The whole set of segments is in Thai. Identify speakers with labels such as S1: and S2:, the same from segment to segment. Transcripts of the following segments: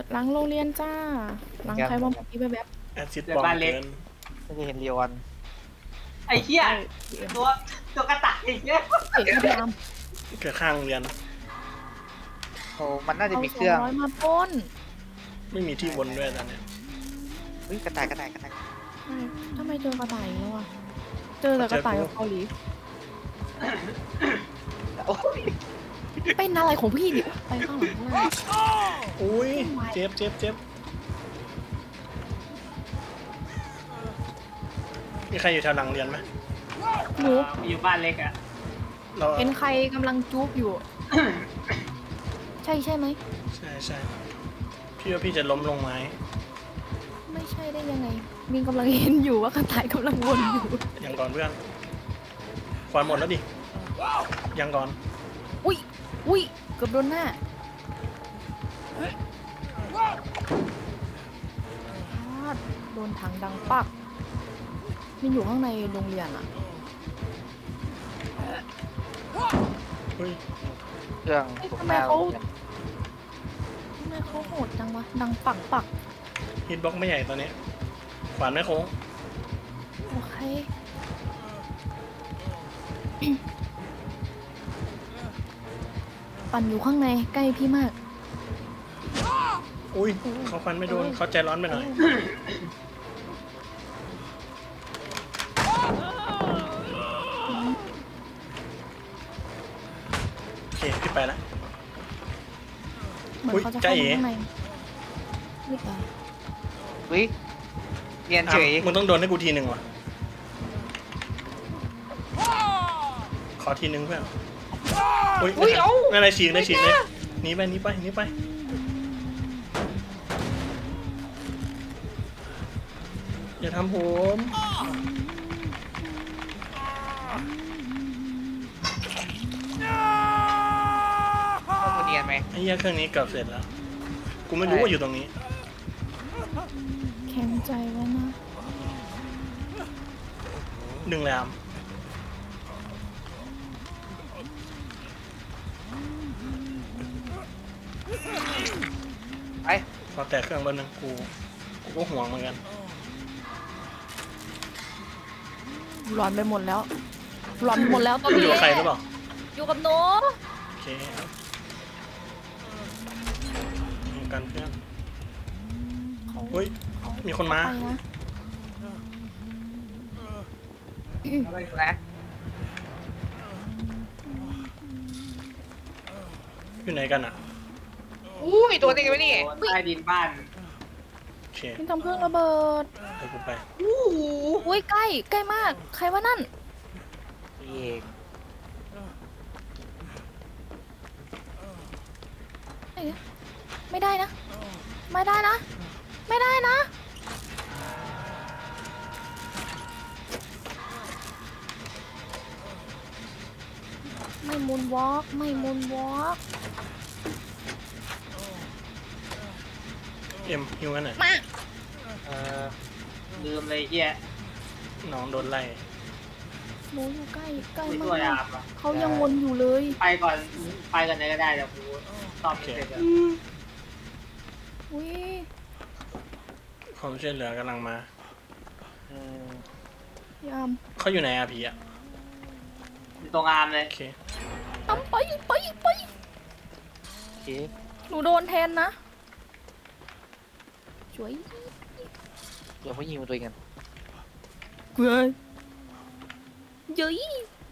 S1: หลังโรงเรียนจ้าหลังใครว่าเมื่อกี้แบบ
S2: แอซิดบอมเกิน
S3: ไม่ได้เห็นเรียวอัน
S4: ไอ้เหี้ยตัวกระต่ายไอ้เหี้ย
S1: เอกพยายาม
S2: เกิดข้างโรงเรียน
S3: โอ้มันน่าจะ
S1: เอา
S3: มีเครื่อง
S1: 200มาปล้น
S2: ไม่มีที่วนด้วยตอนเนี้ย
S3: เฮ้ยกระต่าย
S1: ใช่ทำไมเจอกระต่ายอีกแล้วอ่ะเจอแต่กระต่ายกับเกาหลี
S3: โอ้ย
S1: เป็นอะไรของพี่ดิไปข้างหลังข้างล่าง
S2: อุ้ยเจ็บมีใครอยู่แถวหลังเรียนไหม
S1: หนู
S4: อยู่บ้านเล็กอะ
S2: เรา
S1: เห็นใครกำลังจุ๊บอยู่ ใช่ไหม
S2: ใช่พี่ว่าพี่จะล้มลงไม้
S1: ไม่ใช่ได้ยังไงมินกำลังเห็นอยู่ว่ากระต่ายกำลังวนอยู่
S2: ยังก่อนเพื่อนควันหมดแล้วดิยังก่อน
S1: อุ้ยเกือบโดนหน้าโดนถังดังปักมินอยู่ข้างในโรงเรียนอ่ะ
S2: เฮ้ย
S3: เครื่อง
S1: เอ้ย
S3: ตก
S1: ทำ
S3: ห
S1: ไม
S3: น้า
S1: เขาโหดจังวะดังปัก
S2: ฮิตบ็อกไม่ใหญ่ตอนนี้ขวานไม่โค้ง
S1: โอเค ปั่นอยู่ข้างในใกล้พี่มาก
S2: อุ้ยเขาฟันไม่โดนเขาใจร้อนไปหน่อยโอเคพี่ไปละ
S1: เหมือน
S2: อุ๊ย
S1: เขาจะ
S2: จ๊ะ
S1: เข้า
S2: เอ๋
S1: มาข้างในไม่ไป
S3: เฮ้ยเรียนเฉย
S2: มึงต้องโดนให้กูทีหนึ่งว่ะขอทีหนึ่งเพื่อนอุ้ยไม่อะไรฉีกเลยหนีไปอย่าทำผม
S3: ต้องมาเรียนไหม
S2: ไอ้เหี้ยเครื่องนี้เกือบเสร็จแล้วกูไม่รู้ว่าอยู่ตรงนี้
S1: แข็งใจไว้นะ
S2: ดึงแล้ว
S3: ไป
S2: พอแตกเครื่องแป๊บนึงกูก็ห่วงเหมือนกัน
S1: หลอนไปหมดแล้วตอน
S2: อยู่
S1: นี้
S2: กับใครหรือเปล่า
S1: อยู่กับหนู
S2: โอเคยิงกันเพื่อน
S1: เขา
S2: เฮ้ยมีคนมา
S1: ไปนะ
S3: นะ
S2: อยู่ไหนกันอ่ะ
S3: อุ้ยตัวนี้กันไหมนี่
S4: ใต้ดินบ้าน
S2: โอเค
S1: มินทำเครื่องระเบิด
S2: เดี๋ยวกูไป
S1: อุ้ยใกล้มาก ใครว่านั่น
S3: เอง
S1: ไม่ได้นะ ไม่มูนวอล์ก
S2: เอ็มฮิวกันหน่อย
S1: มา
S4: ลืมเลยเหี้ย
S2: น้องโดนไล่
S1: หนูอยู่ใกล้
S4: ไม่
S1: มา
S4: ช่วยอาก บอะ
S1: เขายังวนอยู่เลย
S4: ไปก่อนไหนก็ได้เดี๋ยวกูตอบเสร็จอะ
S1: อุ้ย
S2: ความช่วยเหลือกำลังมา
S1: ยาม
S2: เขาอยู่ไหนอะผีอะ
S4: อยู่ตรงอามเลย
S2: โอเค
S1: ทำไป
S3: โอเค
S1: หนูโดนแทนนะช่วย
S3: เดี๋ยวเขายิงตัวเองกัน
S1: เฮ้ยเย้ย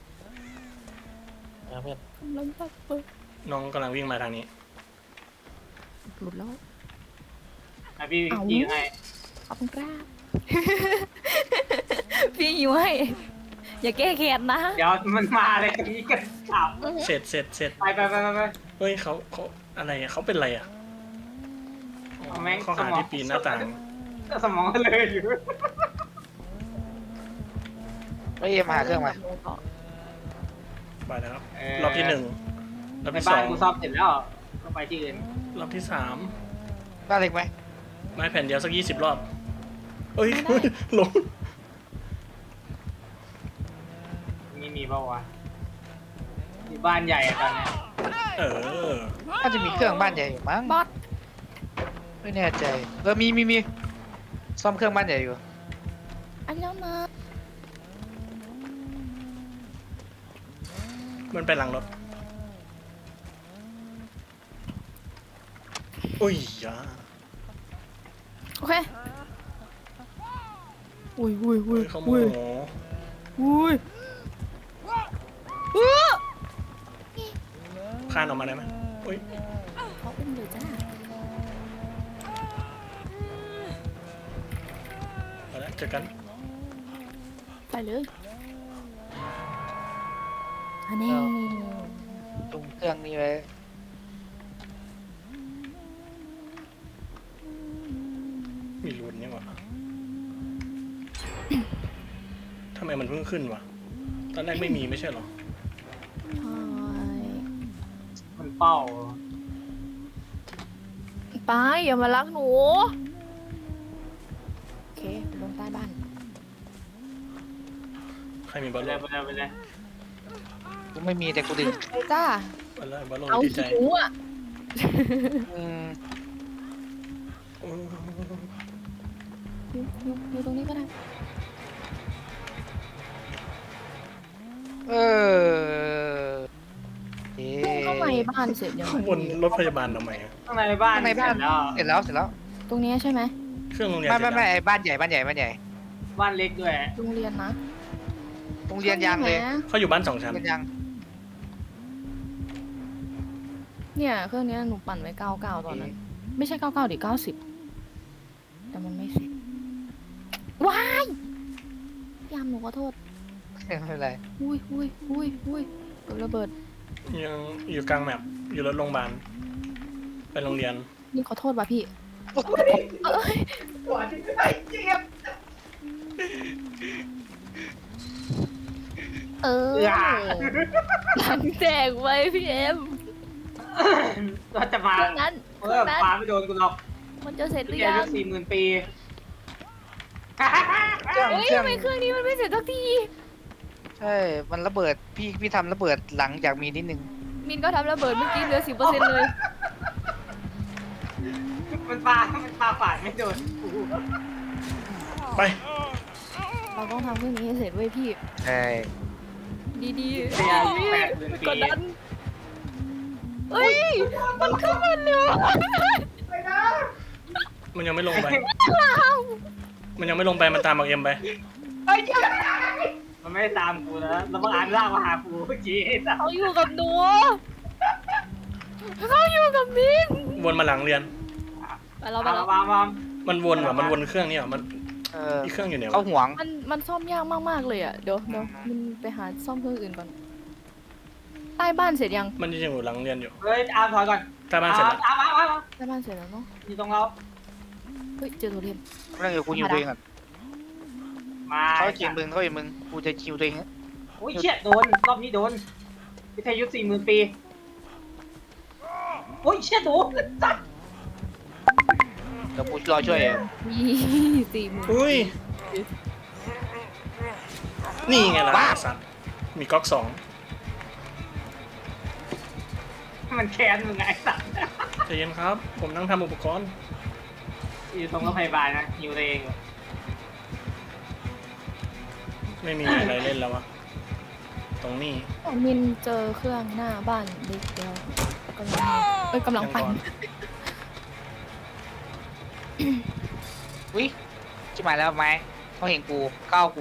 S3: เพื่อน
S1: กำลังตัดเปิด
S2: น้องกำลังวิ่งมาทางนี้
S1: หลุดแล้ว
S4: อ่ะพี่
S1: เอ้า
S4: ยิงให้
S1: ขอบคุณครับ พี่อยู่ให้อย่าแก้แค้นนะ
S4: เดี๋ยวมันมาเลยตรงนี้กันขับ
S2: เสร็จ
S4: ไป
S2: เฮ้ยเขาอะไรอะเขาเป็นอะไรอะอ๋อ
S4: เอาแม่ง
S2: เขาหาที่ปีนหน้าต่าง
S4: สมองเลยอยู่
S3: เฮ้ยมาหาเครื่องมา
S2: ไปแล้วครับรอบที่หนึ่งรอบ
S4: ใน
S2: ที่ส
S4: บ้า
S2: อน ง
S4: กูซ่อมเสร็จแล้วก็ไปที่อื่น
S2: รอบที่สาม
S3: บ้านเล็กไหม
S2: ไม้แผ่นเดียวสัก20 รอบเอ้ยลง
S4: นี่มีเปล่าวะอยู่บ้านใหญ่อะตอนเนี้ย
S2: เออ
S3: น่าจะมีเครื่องบ้านใหญ่อยู่มั้ง
S1: บอส
S2: ไป
S3: ไม่แน่ใจมีซ่อมเครื่องบ้านใหญ่อยู่
S1: อันนี้แล้วนะ
S2: มันไปหลังรถอุ้ยยา
S1: โอเคอุ้ย
S2: เขาโม
S1: อุ้ย
S2: โห
S1: อุ้ย
S2: คานออกมาได้ไหมอุ้ย
S1: เขาอุ้มเลยจ้า
S2: เอาละเจอกัน
S1: ไปเลยอันนี้
S3: จุ่มเครื่องนี้ไว้
S2: มีรุนนี่หว่าทำไมมันเพิ่งขึ้นวะตอนแรกไม่มีไม่ใช่เหรอ
S1: ใช่
S4: มันเป้า
S1: ไปอย่ามารักหนูโอเคลงใต้บ้าน
S2: ใครมีบ
S4: ไป
S2: อล
S4: เล
S2: ลู
S4: ย
S2: น
S4: ไปเลยไปเลย
S3: กูไม่มีแต่กูดึง
S1: ไปจ้า
S2: บอลลูนบอลลูน
S1: เอา
S2: ดีใจ
S1: หิวอ่ะ
S3: อืม
S1: อยู่ตรงนี้ก็ได้
S3: เออเอ๊
S1: เข้ามาในบ้านเสร็จยัง
S2: ข้างบนรถพยาบาลทำไมอะ
S4: ข้างในบ้าน
S3: ข้างในบ้าน
S4: เสร็จแล้ว
S3: เสร็จแล้ว
S1: ตรงนี้ใช่ไหม
S2: เครื่องโรงเรียน
S3: ไม่
S2: เสร็จ
S3: ไม่
S2: แล้ว
S3: ไอ้บ้านใหญ่บ้านใหญ่
S4: บ้านเล็กด้วย
S1: โรงเรียนนะ
S3: โรงเรียนยังเลย
S1: ครื่องนี้นะ
S2: เขาอยู่บ้าน2 ชั้น
S3: โรงเรียนยัง
S1: เนี่ยเครื่องนี้หนูปั่นไว้99ตอนนั้น ไม่ใช่99ดิ90แต่มันไม่เสร็จว้ายยามหนูขอโทษ
S3: ไม่เป็นไร
S1: อุ้ยเกิดระเบิด
S2: ยังอยู่กลางแมปอยู่รถโรงพยาบาลไปโรงเรียน
S1: นี่ขอโทษว่ะพี่เอ้ย
S4: อย่า
S1: หลังแจกไว้พี่เอ็ม
S4: ก็จะมา
S1: เครื่องนั้น
S4: เออปาไม่โดนกูหรอก
S1: มันจะเสร็จหรือ
S4: แก
S1: ยั
S4: อายุ
S1: ง
S4: 40,000 ปี
S3: เครื่อง
S1: เฮ้ย
S3: เครื่อง
S1: ทำไมเครื่องนี้มันไม่เสร็จสักที
S3: ใช่มันระเบิดพี่ทำระเบิดหลังจากมีนิดนึง
S1: มินก็ทำระเบิดเมื่อกี้เหลือ10%เลย
S4: มันปาฝาดไม่โดนกู
S2: ไป
S1: เราต้องทำเครื่องนี้ให้เสร็จเว้ยพี่
S3: ใช่
S1: ดีๆ
S4: แกอายุ
S1: พี่
S4: 80,000 ปี
S1: กดดันเฮ้ยมันขึ้นมาเร็ว
S2: มันยังไม่ลงไป มันยังไม่ลงไปมันตามบักเอ็มไป
S4: มันไม่ได้ตามกูนะแล้วบังอาจลากมาหากูเมื่อกี้ไอ้สัส
S1: เขาอยู่กับหนูเขาอยู่กับมิน
S2: วนมาหลังเรียน
S1: ไปเราไป
S4: มา
S1: เรา
S4: มา
S2: มันวนว่ะมันวนเครื่องนี่ว่ะมัน
S3: เออ
S2: อีกเครื่องอยู่ไหน
S3: เขา
S2: วะ
S3: ห่วง
S1: มันซ่อมยากมากๆเลยอ่ะเดี๋ยวมันไปหาซ่อมเครื่องอื่นก่อนใต้บ้านเสร็จยัง
S2: มันยังอยู่หลังเรียนอยู่
S4: เฮ้ยอาร์มถอยก่อน
S2: ใต้บ้านเสร็จแล้ว
S4: อาร์ม
S1: ใต้บ้านเสร็จแล้วเนาะ
S4: อยู่ตรงเรา
S1: เฮ้ยเจอโทเทม
S3: เรื่องอยู่กูยิวตัวเองก่อน
S4: มา
S3: เขายิงมึงกูจะคิวตัวเอง
S4: โอ้ยเชี่ยโดนรอบนี้โดนวิทยุ40,000 ปีโอ้ยเชี่ยโดนสัส
S3: เดี๋ยวกูรอช่วย
S1: 40,000
S2: อุ้ยนี่ไงล่ะสัตว์มีก๊อก2
S4: มันแค้นมึงไงสัส
S2: ใจเย็นครับ ผมนั่งทำอุปกรณ์
S4: อยู่ตรงโรงพยาบาลนะอยู่ตัวเอง
S2: ไม่มีอะไรเล่นแล้ววะตรงนี้
S1: มินเจอเครื่องหน้าบ้านเด็กเดียวกำลังปั่น
S3: อุ้ยชิบหายแล้วไหมเขาเห็นกูก้าวกู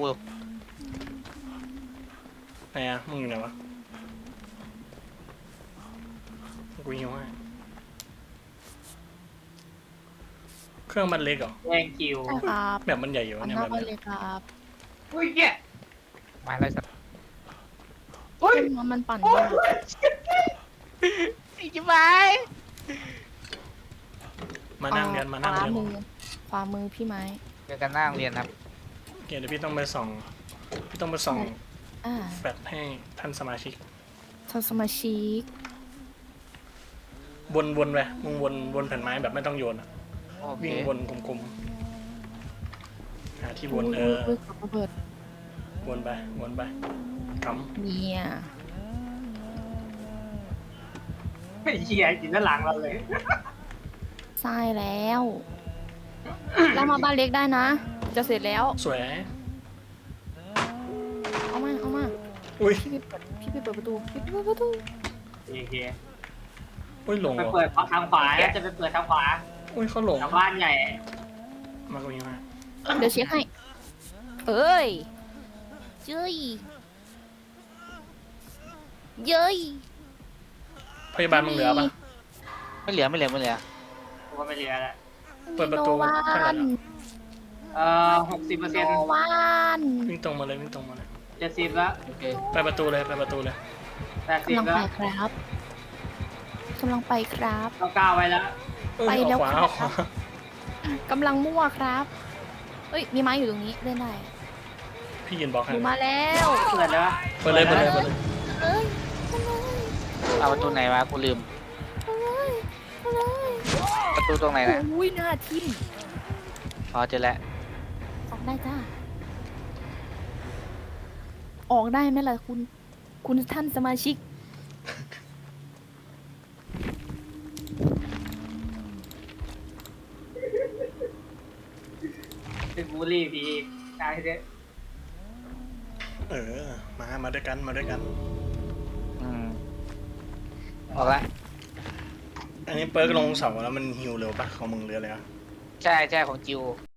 S2: ไหนอะมึงอยู่ไหนวะกูหิวให้เครื่องมันเล็กเหรอ
S4: แย่งคิว
S1: ใช่ครับ
S2: แบบมันใหญ่อยู่
S1: ปั่น
S2: เนี่ย
S1: หน้า
S2: แบบ
S1: บ้าน
S2: เนี้
S1: เลย ยครับ
S4: อุ้ยเนี่ย
S3: มาแล้วสัตว์
S1: มันปั่นยาก
S3: อีกชิบหาย
S2: มานั่งเรียนมานั่งเรียน
S1: ขวามือพี่ไม้
S3: เจอกันหน้าโรงเรียนครับ
S2: โอเคเดี๋ยวพี่ต้องไปส่อง
S1: อ่า
S2: แฟลชให้ท่านสมาชิก
S1: ทำสมาชิก
S2: วนไปมึงวนแผ่นไม้แบบไม่ต้องโยนอะ
S3: โอเค
S2: วิ่งวนกลมๆหาที่วน
S1: ยขับระเบิด
S2: วนไปก
S1: เนี่ย
S4: ไอ้เหี้ยกินด้านหลังเราเลย
S1: ใช่แล้วเรามาบ้านเล็กได้นะ จะเสร็จแล้ว
S2: สวย
S1: เอามาเอามา
S2: อุ้ย
S1: พี่ไปเปิดประตูพี่ไปเปิดประตู
S4: โอเค
S2: อุ้ยหลง
S4: ไป
S2: เหรอ
S4: เปิดทางขวาแล้วจะไปเปิดทางขวา
S2: อุ้ยเขาหลง
S4: ทางบ้านใหญ่
S2: มาตรงนี้มา
S1: เดี๋ยวเช็คให้เอ้ยเย้ยเย้ย
S2: พยาบาลมึงเหลือปะ
S3: ไม่เหลือ
S4: กูก็ไม่เหลือแล้ว
S2: เปิดประตู
S1: โนวั
S2: เท่าไหร่
S1: น
S2: แล้ว
S4: 60%
S1: โนวัน
S2: วิ่งตรงมาเลยวิ่งตรงมาเลย
S4: 70แล้ว
S3: โอเค
S2: ไปประตูเลยไปประตูเลย
S1: กำลัง
S4: 80
S1: ไป
S4: แล้ว
S1: ครับกำลังไปครับ
S4: 9ไว้แล้ว
S2: เอ้ย
S1: ไปแล้ว
S2: เอาขวา
S1: ค่ะ
S2: เอาขวาก
S1: ำลังมั่วครับเอ้ยมีไม้อยู่ตรงนี้เล่นได้
S2: พี่ยืนบล็อก
S1: ห
S2: ให้
S1: นูมาแล้ว
S4: เปิดแล้ว
S2: เปิดเลยเปิดเลยเปิดเลย
S1: เอ้ย
S3: เอาประตูไหนวะกูลืม
S1: เอาเลยเอาเลย
S3: ประตูตรงไหนนะ
S1: โอ้ยหน้าทิ่ม
S3: อ๋อเจอแล้ว
S1: ออกได้จ้าออกได้ไหมล่ะคุณท่านสมาชิก
S4: เป็นบูลลี่พี่ใช่เด้
S2: เออมาด้วยกันมาด้วยกัน
S3: อืมออกละ
S2: อันนี้เปิร์กลงเสาแล้วมันฮิวเร็วปะของมึงเรืออะไรวะ
S3: ใช่ใช่ของจิว